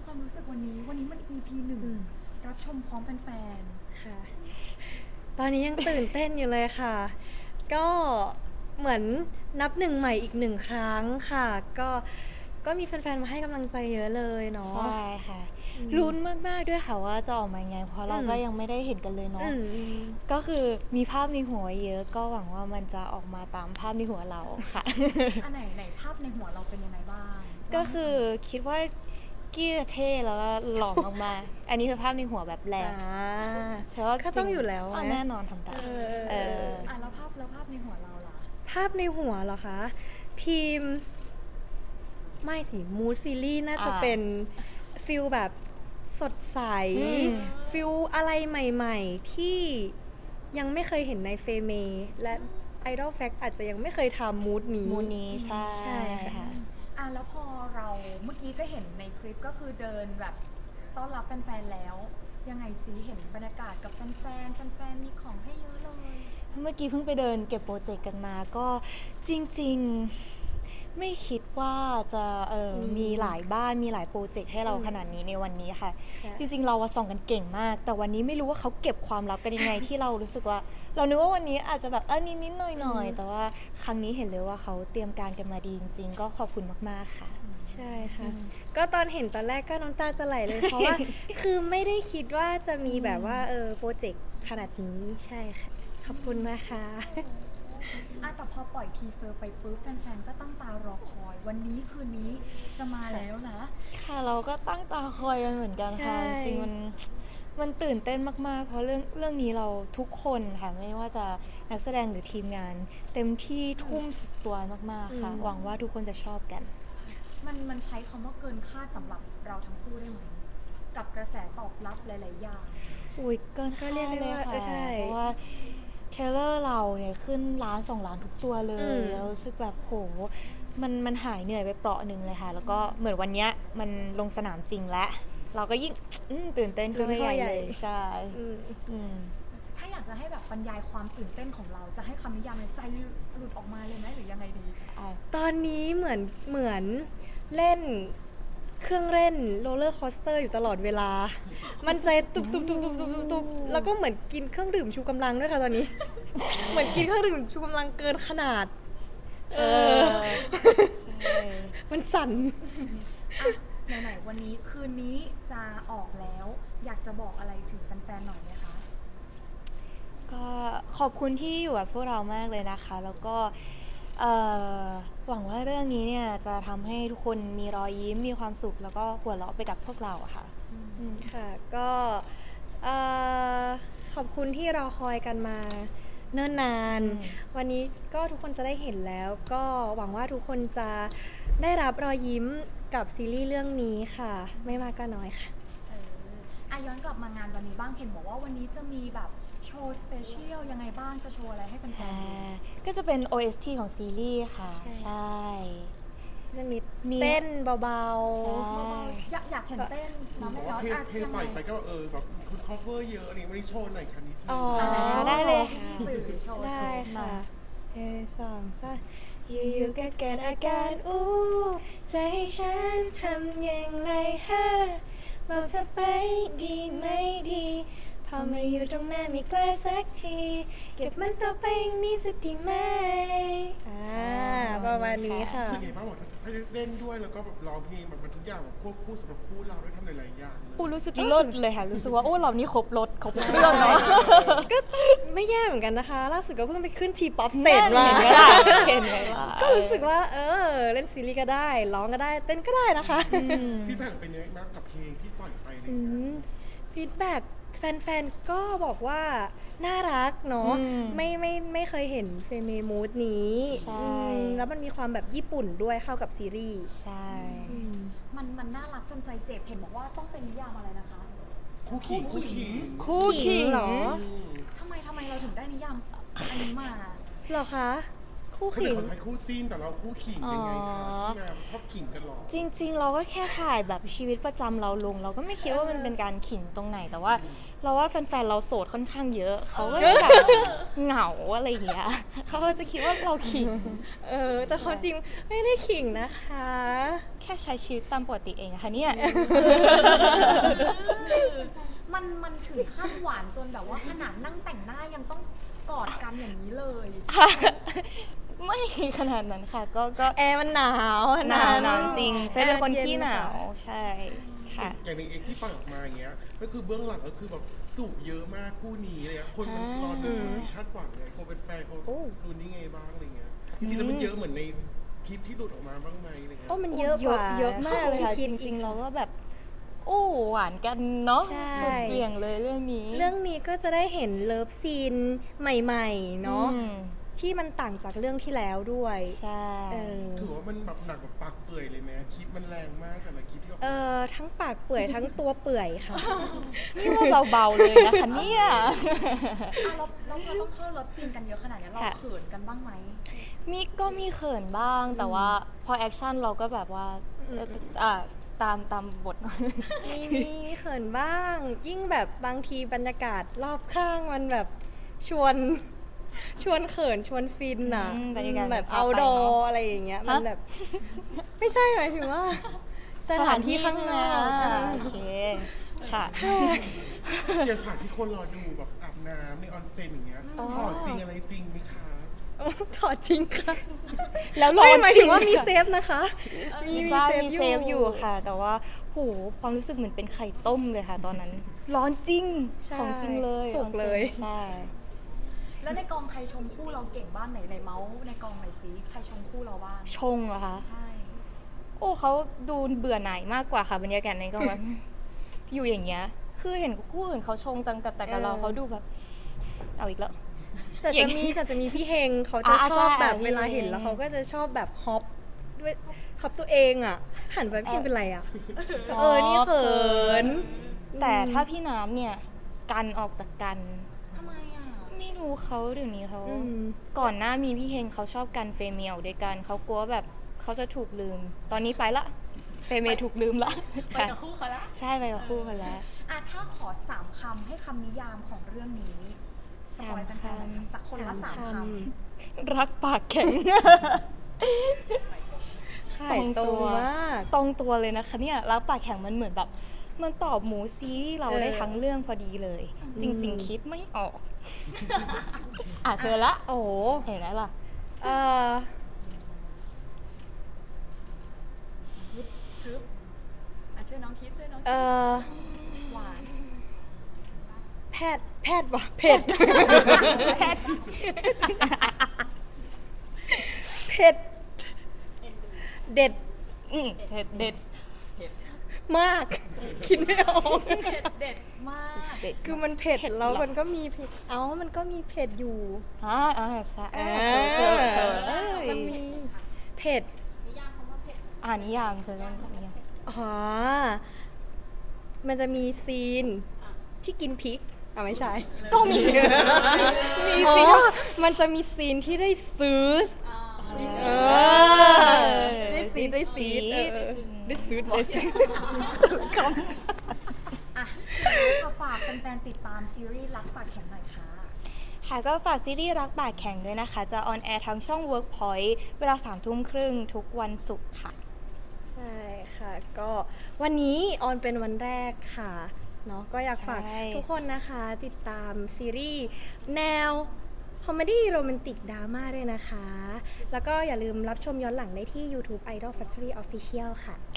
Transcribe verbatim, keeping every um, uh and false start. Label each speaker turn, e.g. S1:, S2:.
S1: ความรู้สึกวันนี้วันนี้มัน อี พี หนึ่งรับชมพร้อมแฟน
S2: ค่ะ ตอนนี้ยังตื่นเต้นอยู่เลยค่ะ ก็เหมือนนับหนึ่งใหม่อีกหนึ่งครั้งค่ะ ก็ก็มีแฟนๆมาให้กำลังใจเยอะเลยเนาะ
S3: ใช่ค่ะลุ้นมากๆด้วยค่ะว่าจะออกมายังไงเพราะเราก็ยังไม่ได้เห็นกันเลยเนาะก็คือมีภาพในหัวเยอะก็หวังว่ามันจะออกมาตามภาพในหัวเราค่ะ
S1: ๆ อันไหนไหนภาพในหัวเราเป็นยังไงบ้าง
S3: ก็คือคิดว่ากี้จะเท่แล้วก็หล่อมากๆอันนี้คือภาพในหัวแบบแรกแต่ว่า
S2: ก็ต้องอยู่แล้ว
S3: อ๋อแน่นอนทำได้
S2: เออ
S3: เออ
S1: อ่ะแล้วภาพแล้วภาพในหัวเราล่ะ
S2: ภาพในหัวเหรอคะ พิมพ์ไม่สิมูซีรีส์น่าจะ
S3: อ่า
S2: เป็นฟิลแบบสดใส
S3: อืม
S2: ฟิลอะไรใหม่ๆ ที่ยังไม่เคยเห็นในเฟเม และ Idol Fact อาจจะยังไม่เคยทำมูดนี้
S3: มูนี้ใช่
S2: ใช่ค่ะ
S3: ค่ะ
S1: อ่ะแล้วพอเราเมื่อกี้ก็เห็นในคลิปก็คือเดินแบบต้อนรับแฟนๆแล้ว ยังไงสิเห็นบรรยากาศกับแฟนๆแฟนๆมีของให้เยอะเลย
S3: เมื่อกี้เพิ่งไปเดินเก็บโปรเจกต์กันมาก็จริงๆไม่คิดว่าจะเออ
S2: มี
S3: มีหลายบ้านมีหลายโปรเจกต์ให้เรา
S2: อืม
S3: ขนาดนี้ในวันนี้ค่ะ
S2: ค่ะ
S3: จริงๆเราอะส่องกันเก่งมาก แต่วันนี้ไม่รู้ว่าเขาเก็บความลับกันยังไง ที่เรารู้สึกว่า เรานึกว่าวันนี้อาจจะแบบเออนิดๆหน่อยๆแต่ว่าครั้งนี้เห็นเลยว่าเขาเตรียมการกันมาดีจริงๆ ก็ขอบคุณมากๆค่ะ
S2: ใช่ค่ะ ก็ตอนเห็นตอนแรกก็น้ำตาจะไหลเลย เพราะว่า คือไม่ได้คิดว่าจะมีแบบว่าเออโปรเจกต์ขนาดนี้ใช่ค่ะ ขอบคุณนะคะ
S1: อ่ะแต่พอปล่อยทีเซอร์ไปปุ๊บแฟนๆก็ตั้งตารอคอย วันนี้คืนนี้จะมาแล้วนะ
S3: ค่ะเราก็ตั้งตาคอยกันเหมือนกันค่ะ
S2: ใช่
S3: จริงๆมันมันตื่นเต้นมากๆ เพราะเรื่องเรื่องนี้เราทุกคนค่ะไม่ว่าจะนักแสดงหรือทีมงาน เต็มที่ทุ่มสุดตัวมากๆค่ะ หวังว่าทุกคนจะชอบกัน
S1: มันมันใช้คำว่าเกินคาดสำหรับเราทั้งคู่ได้ไหมกับกระแสตอบรับหลายๆอย่าง
S3: อุ้ยเกิน
S2: ก็
S3: คาด
S2: เรียกได้
S3: เลย
S2: ว่า
S3: ค่ะ
S2: เออใช่
S3: เพราะว่าเทรลเลอร์เราเนี่ยขึ้นล้านสองล้านทุกตัวเล
S2: อื
S3: ย
S2: ม
S3: เรารู้สึกแบบโหมันมันหายเหนื่อยไปเปราะหนึ่งเลยค่ะ แล้วก็เหมือนวันเนี้ยมันลงสนามจริงแล้วเราก็ยิ่งอืมตื่นเต้นขึ้นไปใหญ่เลยใช่
S2: อืม
S3: อืม
S1: ถ้าอยากจะให้แบบบรรยายความตื่นเต้นของเราจะให้คำนิยามในใจหลุดออกมาเลยไหมหรือยังไงดี
S2: ตอนนี้เหมือนเหมือนเล่นเครื่องเล่นโรลเลอร์คอสเตอร์อยู่ตลอดเวลา มันใจตุบตุบตุบตุบตุบตุบตุบแล้วก็เหมือนกินเครื่องดื่มชูกำลังด้วยค่ะตอนนี้ เหมือนกินเครื่องดื่มชูกำลังเกินขนาด เออ
S3: ใช่
S2: มันสั่น
S1: อ่ะไหนๆวันนี้คืนนี้จะออกแล้ว อยากจะบอกอะไรถึงแฟนๆหน่อยไหมคะ
S3: ก็ขอบคุณที่อยู่กับพวกเรามากเลยนะคะ แล้วก็เอ่อหวังว่าเรื่องนี้เนี่ยจะทำให้ทุกคนมีรอยยิ้มมีความสุข แล้วก็หัวเราะไปกับพวกเราอะค่ะอืม
S2: ค่ะก็เอ่อขอบคุณที่รอคอยกันมาเนิ่นนาน
S3: อืม
S2: วันนี้ก็ทุกคนจะได้เห็นแล้ว ก็หวังว่าทุกคนจะได้รับรอยยิ้มกับซีรีส์เรื่องนี้ค่ะ ไม่มากก็น้อยค่ะ
S1: เอออ่ะย้อนกลับมางานวันนี้บ้างเห็นบอกว่าวันนี้จะมีแบบโชว์สเปเชียลยังไงบ้างจะโชว์อะไรให้แฟน
S3: อ่า
S1: ๆดู
S3: ก็จะเป็น โอ เอส ที ของซีรีส์ค่ะ
S2: ใช่
S3: ใช่
S2: จะมี
S3: มี
S2: เต้นเบา
S3: ใช่
S1: อยากอยากเห็นเต้น
S4: บ
S1: เนาะ
S4: อก
S1: ไม่
S4: ว่า
S1: เนาะ
S4: เพลง
S1: อ่ะ
S4: เพลง
S1: ยัง
S4: ป
S1: ไง
S4: ล่อยไปก็แบบเออแบบคุณ cover เยอะอะไรวันนี้โชว์หน่อยค่ะนิดนึง
S2: อ๋อ
S3: ได้เลยค่ะ
S1: สื่อโชว์
S2: ๆ ได้
S1: โชว์
S2: ค่ะเออสองสาม
S3: อยู่ๆก็เกิดอาการอู้ใจให้ฉันทำอย่างไรฮะบอกเธอไปดีไม่ดี พอมาอยู่ตรงหน้าไม่กล้าสักที เก็บมันต่อไปอย่างนี้จะดีไหม
S2: อ่าประมาณนี้ค่ะ
S4: รู้สึกไงบ้างบอกให้เล่นด้วยแล้วก็แบบร้องเพลงแบบมันทุกอย่างแบบควบคู่สำหรับคู่เราด้วยทำหลายๆอย่างเลย
S3: อู้รู้สึกเลิศเลยค่ะ รู้สึกว่าโอ้เรานี่ครบรถครบเครื่องเนาะ
S2: ก็ไม่แย่เหมือนกันนะคะ ล่าสุดก็เพิ่งไปขึ้นทีป๊อปสเต
S3: เห็
S2: จ
S3: นไหม
S2: มา
S3: ล่ะเห็นไหมล่ะ
S2: ก็รู้สึกว่า เออ เล่นซีรีส์ก็ได้ ร้องก็ได้ เต้นก็ได้นะคะ
S4: พี่แบ่งเป็นยังไงบ้างกับเพลงที่ปล่อยไปเลย
S2: ฟีดแบ็กแฟนๆ ก็บอกว่า น่ารักเนาะ
S3: อืม
S2: ไม่ไม่ไม่เคยเห็นเฟเมมูดนี้
S3: ใช่
S2: อืมแล้วมันมีความแบบญี่ปุ่นด้วยเข้ากับซีรีส์
S3: ใช่
S2: อืม
S1: มันมันน่ารักจนใจเจ็บเห็นบอกว่าต้องเป็นนิยามอะไรนะคะ
S4: คู่ขิงคู่ขิง
S3: คู่ขิ
S2: ขิ
S3: ง
S2: งเหรอ
S4: อืม
S1: ทำไมทำไมเราถึงได้นิยามอันนี้มา
S2: เหรอคะ คู่
S4: คนอื่
S2: ขิ
S4: น
S2: ง
S4: เขาใช้คู่จิ้นแต่เราคู่ขิงยังไงคะ
S3: อ๋อ
S4: ที่มาชอบขิงกันหรอ
S3: จริง ๆ เราก็แค่ถ่ายแบบชีวิตประจำเราลง เราก็ไม่คิดว่ามันเป็นการขิงตรงไหน แต่ว่า เราว่าแฟนๆ เราโสดค่อนข้างเยอะ เขาก็จะแบบเหงาอะไรอย่างเงี้ยเขาก็จะคิดว่าเราขิง
S2: เออ แต่ความจริงไม่ได้ขิงนะคะ
S3: แค่ค่ใช้ชีวิตตามปกติเองอะค่ะเนี่ย
S1: มันมันถึงขั้นหวานจนแบบว่าขนาดนั่งแต่งหน้ายังต้องกอดกันอย่างนี้เลย
S3: ไม่ขนาดนั้นค่ะ ก็ก็
S2: แอร์มันหนาวอะ
S3: หนาวหนาวจริง
S2: แอ
S3: เฟยเป็นคน
S2: ย็
S3: ขี้หนาว
S2: ค่ะ
S3: ใช่ค่ะ
S4: อย่างในเอกที่ปล่อยออกมาอย่างเงี้ยก็คือเบื้องหลังก็คือแบบจูบเยอะมากคู่นี้อะไรเงี้ยคนมันรอดูคาดหวังไงคนเป็นแฟนเขา
S3: โอ้
S4: ดูนี่ไงบ้างอะไรเงี้ยจริงๆแล้วมันเยอะเหมือนในคลิปที่หลุดออกมาบ้างไหมอะไรเงี้ย
S2: โอ้มันเยอะกว่า
S3: เยอะมากเลยค่ะ
S2: ที่
S3: จ
S2: คิด
S3: ริงๆเราก็แบบโอ้หวานกันเนาะ
S2: ใช่
S3: สุดเหวี่ยงเลยเรื่องนี้
S2: เรื่องนี้ก็จะได้เห็นเลิฟซีนใหม่ๆเนาะ
S3: อืม
S2: ที่มันต่างจากเรื่องที่แล้วด้วย
S3: ใช่
S2: เออ
S4: ถือว่ามันแบบหนักแบบปากเปื่อยเลยไหมคลิปมันแรงมากแต่ละคลิปที่ออก
S2: เอ
S4: มา
S2: อทั้งปากเปื่อยทั้งตัวเปื่อยค่ะ
S3: นี่ว่าเบาๆเลยนะคะเนี่ย
S1: อ่ะเราเราเราต้องเข้าเลิฟซีนกันเยอะขนาดนี้เรา
S3: ค่ะ
S1: เขินกันบ้างไหม
S3: มีก็มีเขินบ้างแต่ว่าพอแอคชั่นเราก็แบบว่าเอ่ออ่าตามตามบท
S2: มีมีเขินบ้าง ยิ่งแบบบางทีบรรยากาศรอบข้างมันแบบชวน ชวนเขินชวนฟินอ่ะ
S3: อืมบรรยากาศ
S2: แบบ
S3: พา
S2: เอา
S3: ไป
S2: ดอ
S3: เนอะ
S2: อะไรอย่างเงี้ย มัน
S3: ฮะ
S2: แบบ ไม่ใช่หมายถึงว่า สถานที่ข้างนอก
S3: ใช่ไหม
S2: อ่ะ
S3: โอเคค่ะ
S4: อย่างฉากที่คนรอดูแบบอาบน้ำในออนเซ็นอย่างเงี้ย
S2: อ๋อ
S4: ขอจริงอะไรจริงไหมคะ
S2: ถอดจริงค่ะ
S3: แล้วร้อ
S2: ไม่
S3: น
S2: หมาย
S3: จ
S2: ถึ
S3: ริ
S2: ง
S3: ง
S2: ว่ามี
S3: ค่ะ
S2: เซฟนะคะ มี
S3: ใช่มี
S2: มี
S3: เซฟอยู่ค่ะ แต่ว่าโหความรู้สึกเหมือนเป็นไข่ต้มเลยค่ะ ตอนนั้น ร้อนจริง
S2: ใช่
S3: ของจริงเลย
S2: สุกเลย
S3: ใช่
S1: แล้วในกองใครชมคู่เราเก่งบ้างไหนไหนเมาส์ในกองไหนอยซิใครชมคู่เราบ้าง
S3: ชงเหรอคะ
S1: ใช่
S3: โอ้เขาดูเบื่อหน่ายมากกว่าค่ะบรรยากาศในกองแบบ อยู่อย่างเงี้ย คือเห็นคู่อื่นเขาชงจังแต่แต่กับเรา
S2: เออ
S3: เขาดูแบบ เอาอีกแล้ว
S2: แต่
S3: อย่า
S2: จะ
S3: ง
S2: มีแต่จะมีพี่เฮงเขาจะ
S3: อ่า
S2: ชอบ
S3: ใช่
S2: แบบ
S3: พี่
S2: เวลาเห็น
S3: เฮง
S2: แล้วเขาก็จะชอบแบบฮอปด้วยฮอปตัวเองอ่ะ หันไปพี่เฮงเป็นไรอ่ะ เออ นี่เขิน
S3: แต่ถ้าพี่น้ำเนี่ย กันออกจากกัน
S1: ทำไมอ่ะ
S3: ไม่รู้เขาเดี๋ยวนี้เขา
S2: อืม
S3: ก่อนหน้ามีพี่เฮงเขาชอบกันเฟเมียลด้วยกันเขากลัวแบบเขาจะถูกลืม ตอนนี้ไปละ เฟเมียลถูกลืมละ
S1: ไป
S3: ค่ะ
S1: กับคู่เขาละ
S3: ใช่ไปกับคู่กันแล้ว
S1: อ่ะถ้าขอสามคำให้คำนิยามของเรื่องนี้สปอยล์แฟนๆหน่อยค่ะสักคนละสามคำ
S3: รักปากแข็ง
S2: ไข่ตรงมาก
S3: ตรงตัวเลยนะคะเนี่ยรักปากแข็งมันเหมือนแบบ มันตอบหมูซีรีส์เรา
S2: เออ
S3: ได้ทั้งเรื่องพอดีเลย จริง
S2: อืม
S3: ๆ คิดไม่ออก อ่ะเธอละ
S2: โอ้โห
S3: เห็นไหมล่ะ
S2: เออ
S1: ทึบอ่ะช่วยน้องคิดช่วยน้อง
S2: เอ
S1: คิด
S2: อ
S1: หวาน
S2: แพทย์ แพทย์วะเผ็ด
S3: แพทย์
S2: เผ็ด เด็ด
S3: อืมเผ็ดเด็ด
S2: มาก คิดไม่ออก
S1: เด็ดเด็ดมาก
S3: เด็ด
S2: คือมันเผ็ดแล้วมันก็มีเผ็ด เอ้า มันก็มีเผ็ดอยู่
S3: อ่าอ่าใช่อ่าเชิญเชิญเชิญเอ้ย
S2: มันมีเผ็ด
S3: อ่านิยามเธอเรื่องนิยาม
S2: อ๋อ มันจะมีซีนที่กินพริกอ่ะไม่ใช่
S3: ก็มี มี
S2: อ๋
S3: สิ
S2: อมันจะมีซีนที่ได้ซื้อ เออ ได้ซีดได้ซีดเออได้ซื้อ
S3: ได้ซื้อค
S1: อ่ะค่ะฝากแฟนๆติดตามซีรีส์รักปากแข็งหน่อยค่ะ
S3: ำค่ะก็ฝากซีรีส์รักปากแข็งด้วยนะคะ จะออนแอร์ทางช่อง Workpoint เวลาสามทุ่มครึ่งทุกวันศุกร์ค่ะ
S2: ใช่ค่ะ ก็วันนี้ออนเป็นวันแรกค่ะเนาะก็อยากฝาก
S3: ใช่
S2: ทุกคนนะคะติดตามซีรีส์แนวคอมเมดี้โรแมนติกดราม่าด้วยนะคะ แล้วก็อย่าลืมรับชมย้อนหลังได้ที่ YouTube Idol Factory Official ค่ะ